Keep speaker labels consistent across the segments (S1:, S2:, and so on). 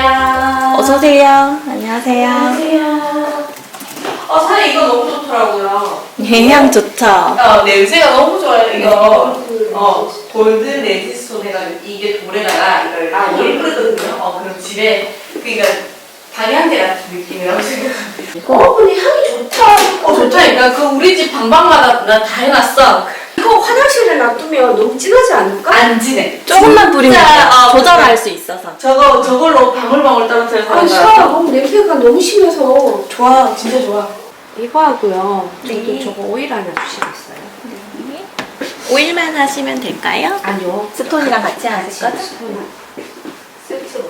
S1: 안녕하세요.
S2: 어서오세요. 안녕하세요.
S1: 안녕하세요. 사장님 이거 너무 좋더라고요.
S2: 향 좋죠?
S1: 냄새가 너무 좋아요, 이거. 골든 레지스톤 해가지고 이게 돌에다가 이걸 물을 끓거든요. 그럼 집에, 그러니까 방향제 같은 느낌이라고 생각합니다. 근데 향이 좋다. 좋다니까. 그 우리 집 방방마다 나 다 해놨어.
S3: 이거 화장실에 놔두면 너무 진하지 않을까?
S1: 안 지내.
S2: 조금만 뿌리면 조절할
S1: 그래.
S2: 수 있어서.
S1: 저걸로 방울방울 떨어뜨려서 하는
S3: 싫어.
S1: 거야.
S3: 너무 냄새가 너무 심해서.
S1: 좋아, 진짜 좋아.
S3: 이거 하고요.
S2: 네.
S3: 저도 저거 오일 하나 주시겠어요?
S2: 오일만 하시면 될까요?
S3: 아니요.
S2: 스톤이랑 같이 하실 거죠?
S3: 세트로.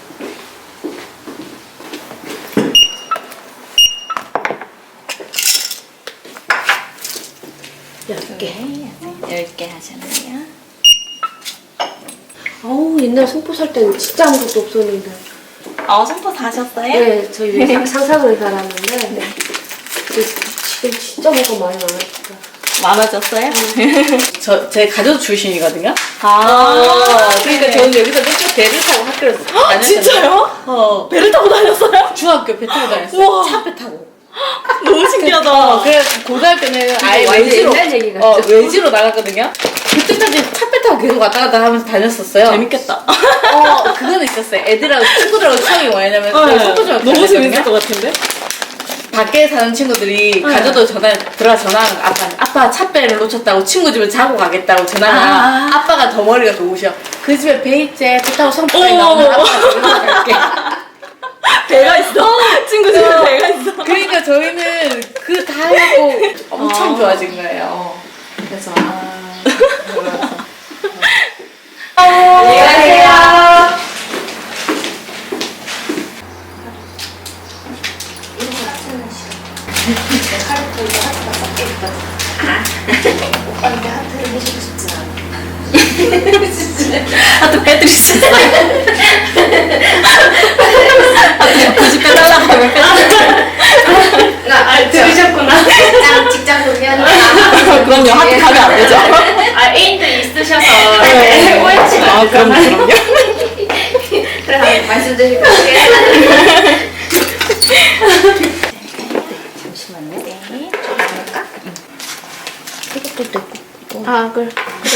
S2: 네, 10개 하셨네요.
S3: 어우, 옛날 송포 살 때는 진짜 아무것도 없었는데.
S2: 송포 사셨어요?
S3: 네, 저희 상상을 살았는데. 지금 진짜 뭐가 많이 많아졌다.
S2: 많아졌어요?
S1: 제 가족 출신이거든요. 그러니까
S2: 네.
S1: 저는 여기서 맨날 배를 타고 학교를 다녔어요.
S2: 진짜요? 배를 타고 다녔어요?
S1: 중학교 배 타고 다녔어요.
S2: 우와.
S1: 차배 타고.
S2: 너무 신기하다.
S1: 그래서 고등학교는 아예
S3: 완전
S1: 외지로
S3: 옛날 얘기 같죠?
S1: 외지로 나갔거든요. 그때까지 차배 타고 계속 왔다 갔다 하면서 다녔었어요.
S2: 재밌겠다.
S1: 그거는 있었어요. 애들하고 친구들하고 추억이 뭐냐면
S2: 너무 재밌을 것 같은데?
S1: 밖에 사는 친구들이 가져도 들어가 전화하는 아빠 차배를 놓쳤다고 친구 집에 자고 가겠다고 전화가 아빠가 더 머리가 좋으셔. 그 집에 배 있지? 배 타고 성포에 나오면 아빠가 데리러 갈게.
S2: 배가 있어. 친구 집에 배가 있어.
S1: 그러니까 저희는 그 다 하고 엄청 좋아진 거예요. 그래서 안녕하세요.
S3: 오빠한테 하트를 해주고 싶진 않아.
S2: 하트 빼드릴 수 있어요. 하트 90배 달라고 하면 빼드릴게요.
S3: 들으셨구나. 직장 동료니까.
S2: 그럼요. 하트 가면 안 되죠.
S3: 애인도 있으셔서.
S2: 네. 그럼요.
S3: 그래, 말씀드리고 올게요.
S2: 잠시만요. 네.
S3: 이것도 있고. 그래.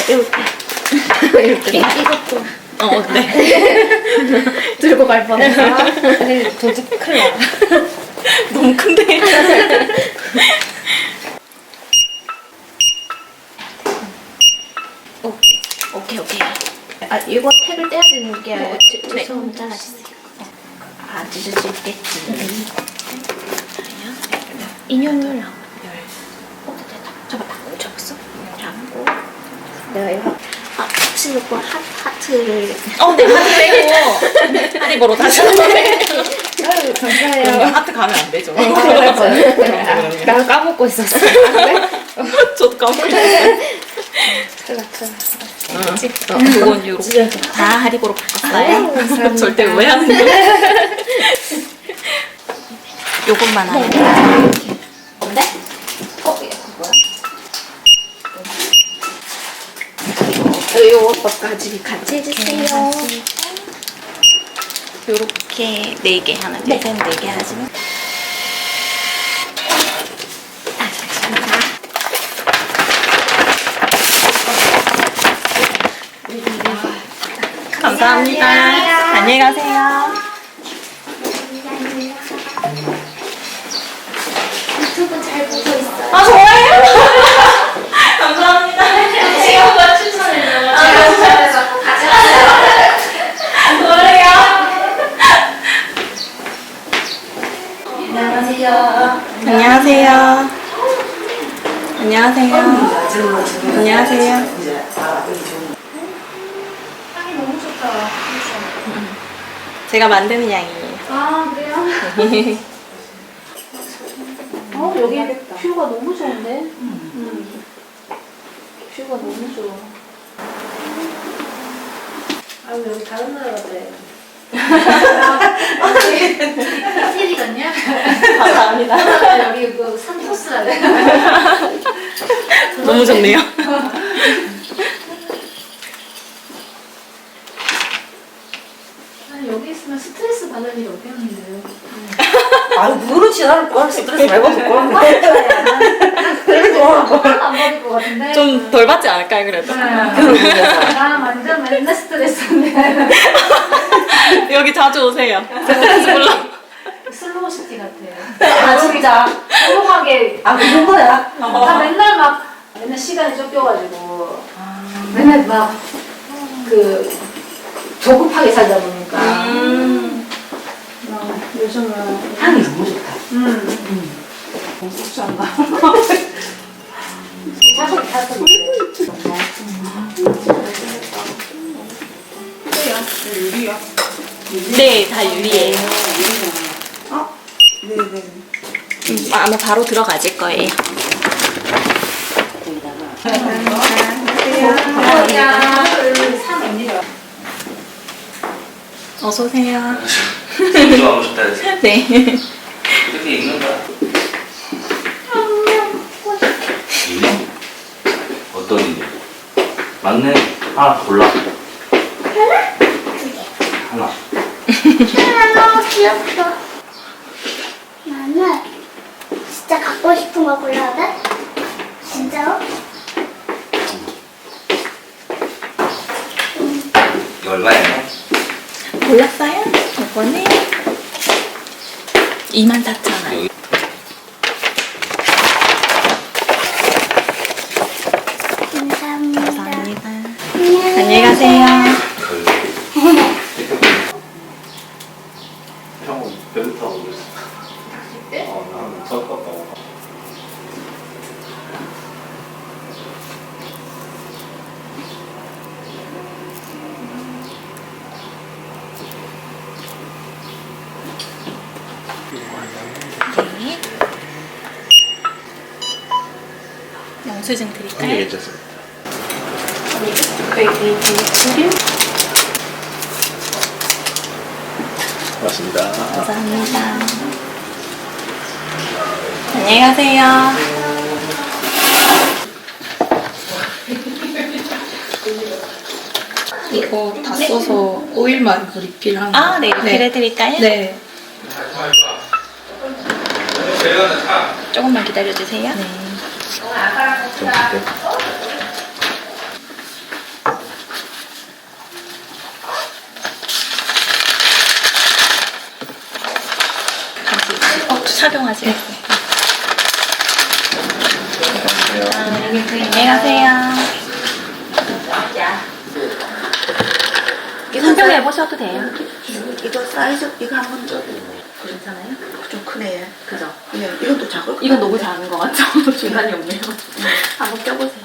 S3: 이렇게. 이것도.
S2: 네.
S3: 들고 갈 뻔했어. 도둑 큰일 나.
S2: 너무 큰데. 오케이.
S3: 이거 택을 떼야 되는 게.
S2: 네.
S3: 죄송합니다.
S2: 드실 수 있겠지.
S3: 인형을
S2: 잡았어?
S3: 잡고. 내가 이거. 혹시 이거 하트를.
S2: 네, 하트 빼고. 하리보로 다시.
S3: 아유, 감사해요.
S2: 하트 가면 안 되죠.
S3: 나 까먹고 있었어.
S2: 저도 까먹고 있어요. 그건 요렇게 다 하리보로 바꿨어요.
S3: 감사합니다.
S2: 절대 오해하는 거. 요것만 하면 돼요.
S3: 뭔데? 뭐야? 요것까지 같이 해주세요.
S2: 요렇게 4개 하나, 둘, 셋, 4개 하시면. 감사합니다. 안녕히 가세요.
S3: 유튜브 잘 보고 있어요.
S2: 좋아요? 감사합니다.
S3: 친구가 추천해줘요. 추천해서
S2: 안녕하세요. 안녕하세요. 안녕하세요. 안녕하세요.
S3: 향이 너무 좋다.
S2: 제가 만드는 양이에요.
S3: 그래요? 여기 뷰가 너무 좋은데? 뷰가 너무 좋아. 여기 다른 나라 같아. 호텔이 같냐?
S2: 감사합니다.
S3: 여기 그 산토스라 돼.
S2: 너무 좋네요.
S4: 아니, 여기 있으면 스트레스 받을 일이 없겠는데요.
S5: 아유 그렇지 나는 그걸 스트레스 많이 받고 그런 거
S4: 안 받을 것 같은데.
S2: 좀 덜 받지 않을까요, 그래도?
S4: 나 완전 맨날 스트레스인데.
S2: 여기 자주 오세요. 스트레스 풀러.
S4: 슬로우 시티 같아요.
S5: 아 진짜
S4: 조용하게.
S5: 아 그 정도야?
S4: 나 맨날 시간이 쫓겨가지고. 맨날 막, 조급하게 살다 보니까. 요즘은.
S5: 향이 너무 좋다
S4: 사실
S2: 네, 다 유리예요.
S1: 네네.
S2: 아마 바로 들어가질 거예요. 어서 오세요.
S6: 운동하고 싶다 해서
S2: 네.
S6: 이렇게 입는 거야. 이네? 어떤 이네? 맞네. 하나 골라. 하나.
S7: 너무 귀엽다. 나는 진짜 갖고 싶은 거 골라야 돼? 진짜로?
S6: 이거 얼마예요?
S2: 골랐어요? 이거는 24,000원.
S6: 여기.
S7: 감사합니다.
S2: 감사합니다. 안녕히 가세요.
S6: 형은 배드 타고 그랬어. 나는 첫 갔다고.
S2: 네. 영수증 드릴까요?
S6: 괜찮습니다. 맞습니다.
S2: 감사합니다. 안녕히 가세요.
S8: 이거 다 써서 오일만 리필하는 거.
S2: 네, 리필해드릴까요?
S8: 네.
S2: 조금만 기다려주세요. 착용하세요. 안녕히 가세요. 착용해 보셔도 돼요.
S5: 이거 사이즈 이거 한번 줘
S2: 괜찮아요?
S5: 좀 크네
S2: 그죠?
S5: 예, 이것도 작을 것
S2: 이건 너무 작은 것 같죠? 중간이 없네요. 한번 껴보세요.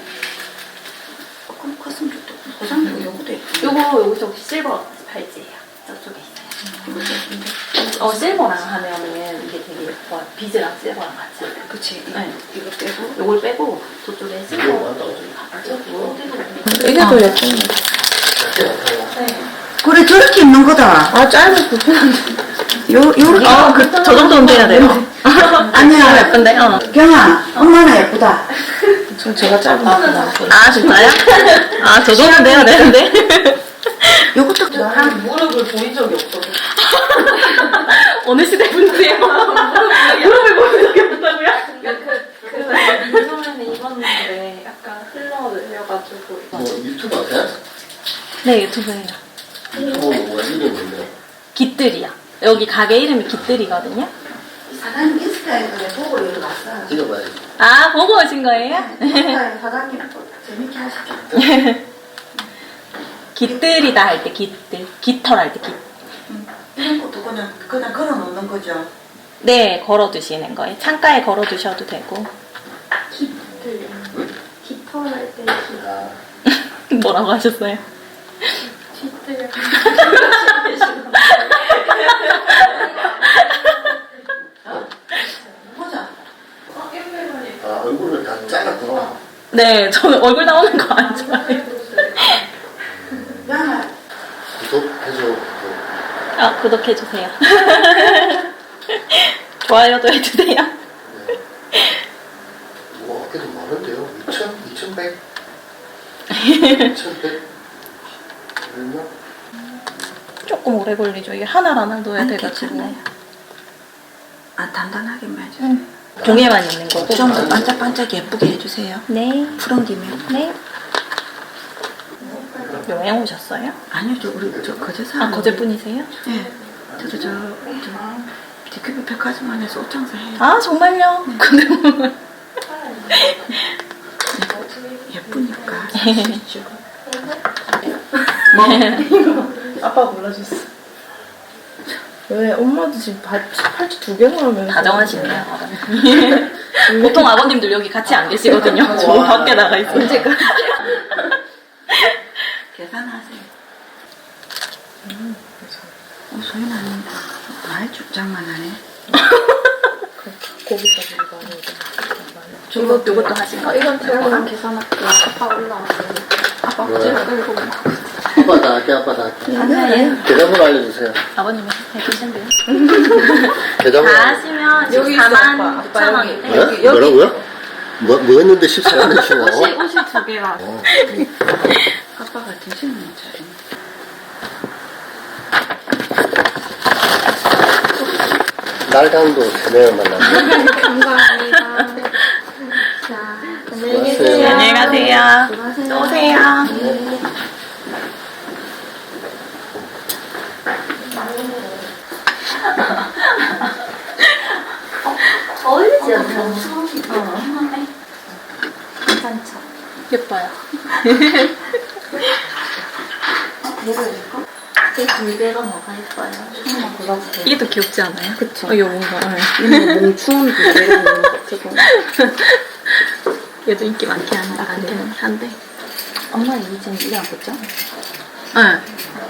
S5: 조금 컸으면 좋겠다 고상도 요거도 예쁘네
S2: 요거 저기 실버 팔찌예요. 저쪽에 있어요. 실버랑 하면은 이게 되게 예뻐요. 비즈랑 실버랑 같이.
S5: 그치
S2: 네.
S5: 이거 빼고
S2: 요걸 빼고 저쪽에 실버 가지고.
S8: 이게 더 예쁜 거.
S5: 그래 저렇게 입는 거다
S8: 아, 짧은 불편한데.
S5: 요렇게
S2: 저 정도는 돼야 돼요.
S5: 아니야
S2: 예쁜데?
S5: 경아 엄마는 예쁘다
S8: 전 제가 짧은 거 나왔어요.
S2: 아, 진짜요? 아, 저 정도는 돼야 되는데.
S5: 요것도
S1: 한 무릎을 보인 적이 없어.
S2: 어느 시대 분이세요? 무릎을 보는 적이 없다고요?
S4: 요즘에는 입었는데 약간 흘러내려가지고.
S9: 뭐 유튜버 돼?
S2: 네, 유튜브예요.
S9: 유튜버 뭐가 이름이 뭔데?
S2: 깃들이요. 여기 가게 이름이 깃들이거든요.
S5: 사장님 인스타에서 보고 여기 왔어
S9: 찍어봐야지.
S2: 아, 보고 오신 거예요?
S5: 인스타에 사장님 재밌게 하시죠
S2: 깃들이다 할 때 깃들. 깃털 할 때 깃.
S5: 이런 것도 그냥 걸어 놓는 거죠
S2: 네, 걸어 두시는 거예요. 창가에 걸어 두셔도 되고.
S4: 깃털 할때
S2: 뭐라고 하셨어요?
S4: 깃들.
S5: 보자
S9: 아, 얼굴을 다 잘랐구나.
S2: 네, 저는 얼굴 나오는 거 안 좋아해요.
S5: 야
S9: 구독해줘.
S2: 아, 구독해주세요. 좋아요도 해주세요.
S9: 뭐, 어깨도 많은데요? 2,100? 2,100? 얼마?
S2: 조금 오래 걸리죠. 이게 하나를 넣어야 돼가지고.
S5: 아, 단단하게만 해주세요.
S2: 종이에만 있는 거고.
S5: 좀 더 반짝반짝 예쁘게 해주세요.
S2: 네.
S5: 푸른 김에.
S2: 네. 여행 오셨어요?
S5: 아니요, 우리 거제 사는.
S2: 아, 거제분이세요?
S5: 네. 저도 DQB 백화점안에서 옷 장사해요.
S2: 아, 정말요? 근데 뭐.
S5: 예쁘니까.
S8: 아빠 골라줬어. 왜 엄마도 지금 팔찌 2개나 하면
S2: 다정하시네요. 보통 아버님들 여기 같이 안 계시거든요. 저 밖에 나가 있어요. 언제가?
S5: 계산하세요. 소연 아닌다. 말 죽장만 하네.
S8: 거기까지 가는
S2: 요것도 하실까?
S4: 이건 제가 계산할게요. 아빠 올라왔어요.
S5: 아빠
S9: 왜?
S5: 거제를 끌고 막.
S9: 아빠 다 할게, 아빠 다 할게.
S2: 아니에요.
S9: 계좌번호 알려주세요.
S2: 아버님이 해주신대요.
S9: 계좌번호.
S2: 다 하시면 14만 9천 원인데.
S9: 네? 뭐라고요? 뭐 했는데 14만 원이시고?
S2: 옷이 2개라.
S5: 아빠가 드시는 차리.
S9: 날강도 3명을 만났네.
S4: 감사합니다. 자, 안녕히 계세요.
S2: 안녕히 가세요.
S4: 수고하세요.
S2: 또 오세요.
S7: 어울리지 않나?
S2: 괜찮죠? 예뻐요.
S7: 이 둘개가 뭐가 예뻐요? 하나만 골라주세요.
S2: 이게 더 귀엽지 않아요? 그쵸. 이거 뭔가.
S5: 몽추운 두개를 먹는 것 같아서.
S2: 얘도 인기 많긴 한데.
S5: 엄마 이 지금 이게 안 붙죠?
S2: 응.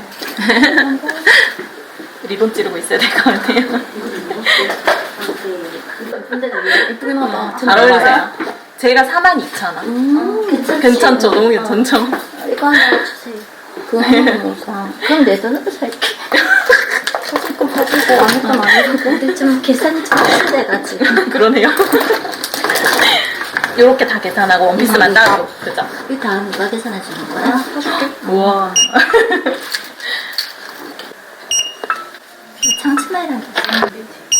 S2: 리본 찌르고 있어야 될 것 같아요.
S7: 예쁘긴 하다.
S2: 잘 어울리세요. 제가 42,000원. 괜찮죠? 너무 괜찮죠?
S7: 이거 하나 주세요.
S5: 그거 하나만 사.
S7: 그럼 내 돈으로 살게. 사줄 거 사주고 아무 건 아니고. 근데 좀 계산이 좀 힘들어가지고.
S2: 그러네요. 요렇게 다 계산하고 원피스만 따로. 그죠?
S7: 이 다음 누가 계산해 주는 거야?
S2: 우와.
S7: 창치마이랑 계산해.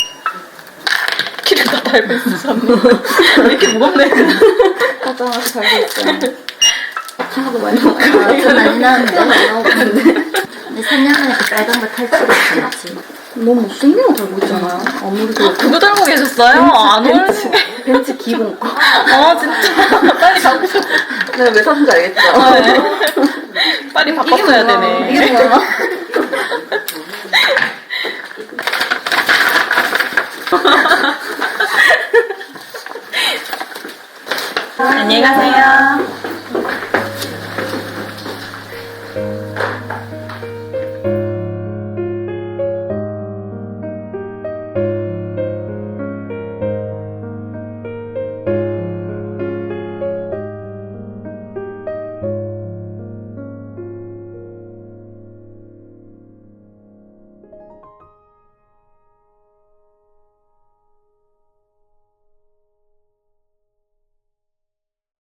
S2: 키를 다 달고 있으셨네. 왜 이렇게 무겁네.
S7: 가져와서 달고 있어요. 하고 많이 먹고 좀 많이 나왔는데 많이 나오는데. 근데 3년 만에 그 빨간 거 탈출을 했지.
S5: 너무 못생긴 거 달고 있잖아요. 아무래도.
S2: 그거 달고 계셨어요? 안 어울리시네.
S5: 벤츠 기본 거.
S2: 진짜. 빨리 바꾸셔.
S5: 내가 왜 샀는지 알겠죠?
S2: 빨리 바꿨어야 되네.
S5: 이게 뭐야?
S2: 안녕히 가세요.